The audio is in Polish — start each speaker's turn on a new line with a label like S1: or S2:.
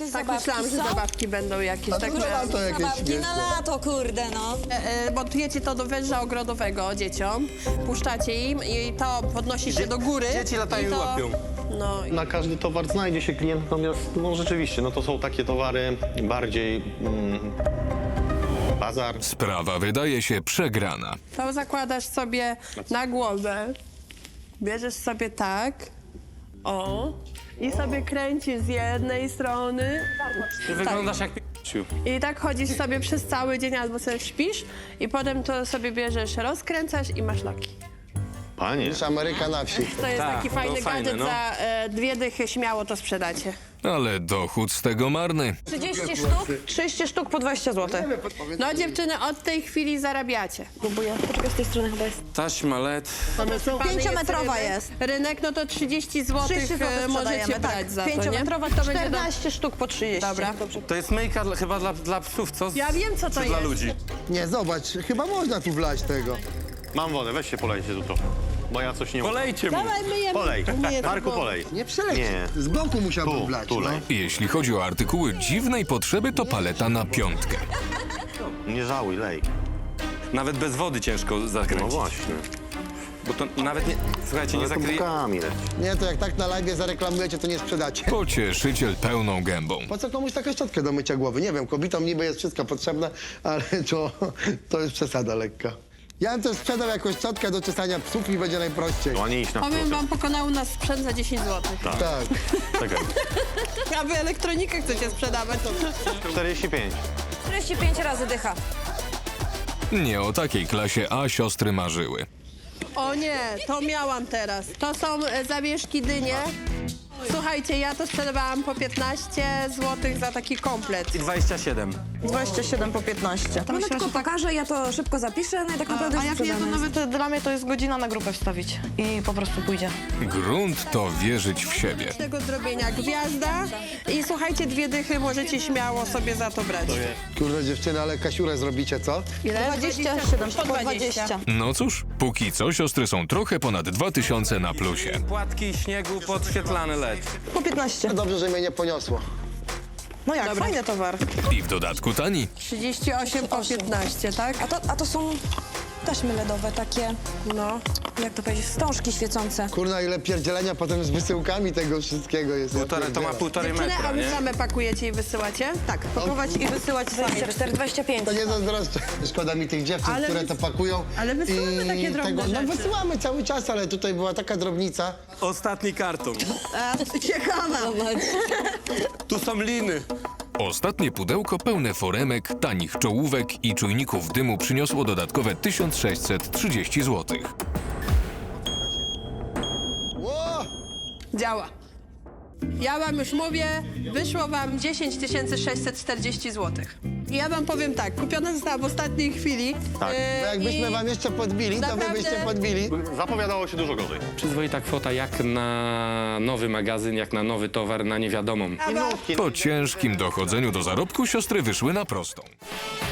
S1: Tak
S2: zabawki
S1: myślałam, że
S2: są?
S1: zabawki będą jakieś.
S3: A
S1: Tak
S3: to na
S1: miałam.
S3: lato jakieś
S2: Zabawki na
S3: śmieszne.
S2: lato, kurde, no.
S1: Montujecie to do węża ogrodowego dzieciom, puszczacie im i to podnosi się do góry.
S4: Dzieci latają i łapią.
S1: No i
S5: Na każdy towar znajdzie się klient, natomiast no rzeczywiście, no to są takie towary bardziej bazar.
S6: Sprawa wydaje się przegrana.
S1: to zakładasz sobie na głowę, bierzesz sobie tak, o, i sobie kręcisz z jednej strony.
S4: Ty wyglądasz jak p***ciu.
S1: I tak chodzisz sobie przez cały dzień albo sobie śpisz i potem to sobie bierzesz, rozkręcasz i masz loki.
S5: Panie,
S3: Niż Ameryka na wsi.
S1: To jest
S4: Tak,
S1: taki
S4: to
S1: fajny
S4: fajne,
S1: gadżet,
S4: no.
S1: za 2 dychy śmiało to sprzedacie.
S6: Ale dochód z tego marny.
S2: 30 sztuk?
S1: 30 sztuk po 20 zł. No dziewczyny, od tej chwili zarabiacie. Próbuję. Poczekaj, z tej strony chyba jest.
S4: Taśma LED.
S3: Same są?
S2: 5-metrowa
S1: rynek.
S2: jest.
S1: Rynek, no to 30 zł
S2: 30 zł
S1: możecie brać za to, nie?
S2: 5-metrowa
S1: To będzie
S2: 14 sztuk po 30.
S1: Dobra.
S4: To jest myjka chyba dla psów, co?
S1: Ja wiem, co to
S4: Czy dla
S1: jest.
S4: ludzi?
S3: Nie, zobacz, chyba można tu wlać tego.
S5: mam wodę, weź się polejcie tu trochę, bo ja coś nie umiem.
S4: Polejcie mu.
S1: Dawaj, myjemy.
S5: Polej,
S1: Myjemy,
S5: Marku
S1: bo-
S5: polej.
S3: Nie przeleci.
S5: Nie.
S3: Z boku musiałbym
S5: Tu,
S3: wlać.
S5: tu
S3: no.
S5: lej.
S6: Jeśli chodzi o artykuły dziwnej potrzeby, to paleta na 5.
S5: Nie żałuj, lej.
S4: Nawet bez wody ciężko
S5: No
S4: zakręcić.
S5: właśnie.
S4: Bo to nawet nie... Słuchajcie, nie
S5: Ale to
S4: zakryje...
S5: bukami leć.
S3: Nie, to jak tak na live zareklamujecie, to nie sprzedacie.
S6: Pocieszyciel pełną gębą.
S3: Po co komuś taką szczotkę do mycia głowy? Nie wiem, kobietom niby jest wszystko potrzebne, ale to jest przesada lekka. Ja bym też sprzedał jakąś szczotkę do czesania psów i będzie najprościej.
S5: No, a nie iść na
S1: Powiem
S5: wprost.
S1: wam, pokonał nas sprzęt za 10 zł.
S3: Tak.
S5: Czekaj.
S1: A wy elektronikę chcecie sprzedawać?
S5: 45.
S2: 45 razy dycha.
S6: Nie o takiej klasie A siostry marzyły.
S1: O nie, to miałam teraz. To są zawieszki dynie. Słuchajcie, ja to sprzedawałam po 15 zł za taki komplet.
S4: I 27.
S7: 27 po 15.
S2: No tylko pokażę, ja to szybko zapiszę, no i tak naprawdę
S7: A
S2: już
S7: jak nie, to
S2: sprzedane jest.
S7: nawet dla mnie to jest godzina na grupę wstawić i po prostu pójdzie.
S6: Grunt to wierzyć w siebie.
S1: Tego zrobienia gwiazda i słuchajcie, 2 dychy możecie śmiało sobie za to brać.
S3: Kurde dziewczyny, ale kasiurę zrobicie, co?
S1: Ile?
S7: 27
S1: po
S7: po 20.
S6: No cóż, póki co siostry są trochę ponad 2000 na plusie.
S4: Płatki śniegu, podświetlany LED.
S7: Po 15.
S3: Dobrze, że mnie nie poniosło.
S7: No jak, fajny towar.
S6: I w dodatku tani.
S1: 38 po 15, tak?
S2: A to są taśmy LEDowe, takie,
S1: No.
S2: jak to powiedzieć, wstążki świecące.
S3: Kurna, ile pierdzielenia potem z wysyłkami tego wszystkiego jest. Ja
S4: To ma
S3: pierdzielę.
S4: 1,5
S1: Dziewczyny,
S4: metra,
S1: a wy
S4: nie?
S1: same pakujecie i wysyłacie?
S7: Tak, pakować i wysyłać sami.
S2: 24, 25.
S3: To nie zazdroszczę. Szkoda mi tych dziewczyn,
S1: Ale
S3: które
S1: wys-
S3: to pakują.
S1: ale wysyłamy takie drobne
S3: No
S1: rzeczy.
S3: wysyłamy cały czas, ale tutaj była taka drobnica.
S4: Ostatni karton.
S7: Ciekawe.
S4: Tu są liny.
S6: Ostatnie pudełko pełne foremek, tanich czołówek i czujników dymu przyniosło dodatkowe 1630 zł.
S3: Ło!
S1: Działa. Ja wam już mówię, wyszło wam 10 640 zł. I ja wam powiem tak, kupiona została w ostatniej chwili.
S5: Tak.
S3: Bo jakbyśmy
S1: i
S3: wam jeszcze podbili, to wy
S1: naprawdę-
S3: byście podbili.
S5: Zapowiadało się dużo gorzej.
S4: Przyzwoita kwota jak na nowy magazyn, jak na nowy towar, na niewiadomą.
S6: Po ciężkim dochodzeniu do zarobku siostry wyszły na prostą.